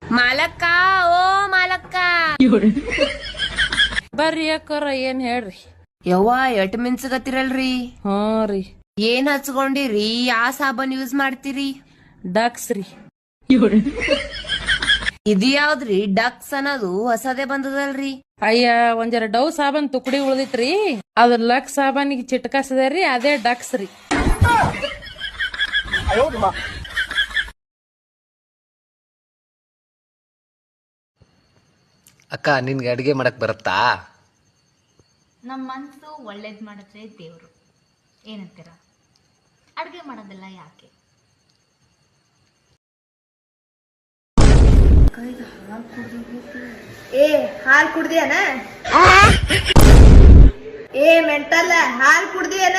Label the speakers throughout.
Speaker 1: ಮಾಲಕ್ಕ ಓ ಮಾಲಕ್ಕ
Speaker 2: ಬರ್ರಿ ಯಾಕರ ಏನ್ ಹೇಳ್ರಿ.
Speaker 1: ಯವ್ವ ಎಟ್ ಮಿನ್ಸಗತ್ತಿರಲ್ರಿ.
Speaker 2: ಹ್ಞೂ ರೀ.
Speaker 1: ಏನ್ ಹಚ್ಕೊಂಡಿರಿ? ಯಾ ಸಾಬನ್ ಯೂಸ್ ಮಾಡ್ತೀರಿ?
Speaker 2: ಡಕ್ಸ್ ರೀ.
Speaker 1: ಇದು ಯಾವ್ದ್ರಿ ಡಕ್ಸ್ ಅನ್ನೋದು? ಹೊಸದೇ ಬಂದದಲ್ರಿ.
Speaker 2: ಅಯ್ಯ ಒಂಜರ ಡವ್ ಸಾಬನ್ ತುಕಡಿ ಉಳ್ದಿತ್ರಿ, ಅದ್ ಲಕ್ಸ್ ಸಾಬಾನಿಗೆ ಚಿಟ್ಕಾಸದ್ರಿ, ಅದೇ ಡಕ್ಸ್ ರೀ.
Speaker 3: ಅಕ್ಕ ನಿನ್ಗೆ ಅಡುಗೆ ಮಾಡಕ್ ಬರುತ್ತಾ?
Speaker 4: ನಮ್ಮ ಮನಸ್ಸು ಒಳ್ಳೇದು ಮಾಡಿದ್ರೆ ದೇವರು ಏನಂತೀರ? ಅಡುಗೆ ಮಾಡೋದೆಲ್ಲ ಯಾಕೆ?
Speaker 5: ಹಾಲ್ ಕುಡ್ದಿಯನ? ಮೆಂಟಲ್ಲ ಹಾಲ್ ಕುಡ್ದಿಯನ?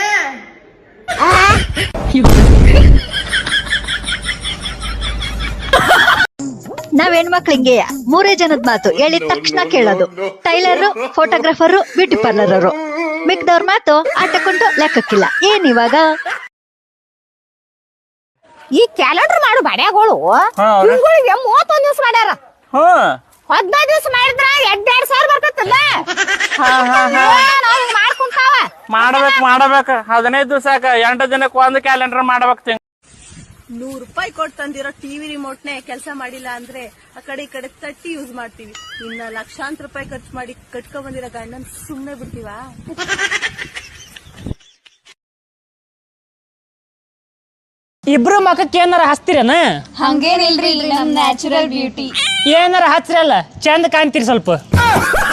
Speaker 6: ನಾವ್ ಹೆಣ್ಮಕ್ಳು ಹಿಂಗೆಯ, ಮೂರೇ ಜನದ ಮಾತು ಹೇಳಿದ ತಕ್ಷಣ ಕೇಳೋದು. ಟೈಲರ್, ಫೋಟೋಗ್ರಾಫರ್, ಬ್ಯೂಟಿ ಪಾರ್ಲರ್, ಮಿಕ್ದವ್ರ ಮಾತು ಆಟಕೊಂಡು ಲೆಕ್ಕಕ್ಕಿಲ್ಲ. ಏನಿವಾಗ
Speaker 7: ಈ ಕ್ಯಾಲೆಂಡರ್ ಮಾಡು ಬಡ್ಯಾಗಳು ಇವ್ಗಳಿಗೆ 31 ದಿವಸ ಮಾಡ್ಯಾರ. 15 ದಿವಸ ಮಾಡಿದ್ರ 2,000 ಬರ್ತೈತಲ್ಲ. ಮಾಡ್ಕೊಂತಾವ
Speaker 8: ಮಾಡಬೇಕು 15 ದಿವಸಕ್ಕ 8 ದಿನಕ್ಕೆ ಒಂದು ಕ್ಯಾಲೆಂಡರ್ ಮಾಡ್ಬೇಕು.
Speaker 5: 100 ರೂಪಾಯಿ ಕೊಟ್ಟು ತಂದಿರೋ ಟಿವಿ ರಿಮೋಟ್ನೆ ಕೆಲಸ ಮಾಡಿಲ್ಲ ಅಂದ್ರೆ ಆ ಕಡೆ ಈ ಕಡೆ ತಟ್ಟಿ ಯೂಸ್ ಮಾಡ್ತೀವಿ. ಇನ್ನ ಲಕ್ಷಾಂತರ ರೂಪಾಯಿ ಖರ್ಚು ಮಾಡಿ ಕಟ್ಕೊಂಡ್ ಬಂದಿರೋ ಗಂಡನ್ ಸುಮ್ನೆ ಬಿಡ್ತೀವಾ?
Speaker 8: ಇಬ್ರು ಮಖಕ್ಕೆ ಏನಾರ ಹಚ್ತಿರೇನ?
Speaker 4: ಹಂಗೇನಿಲ್ರಿ, ನಮ್ ನ್ಯಾಚುರಲ್ ಬ್ಯೂಟಿ.
Speaker 8: ಏನಾರ ಹಚ್ರಲ್ಲ ಚಂದ ಕಾಣ್ತೀರಿ ಸ್ವಲ್ಪ.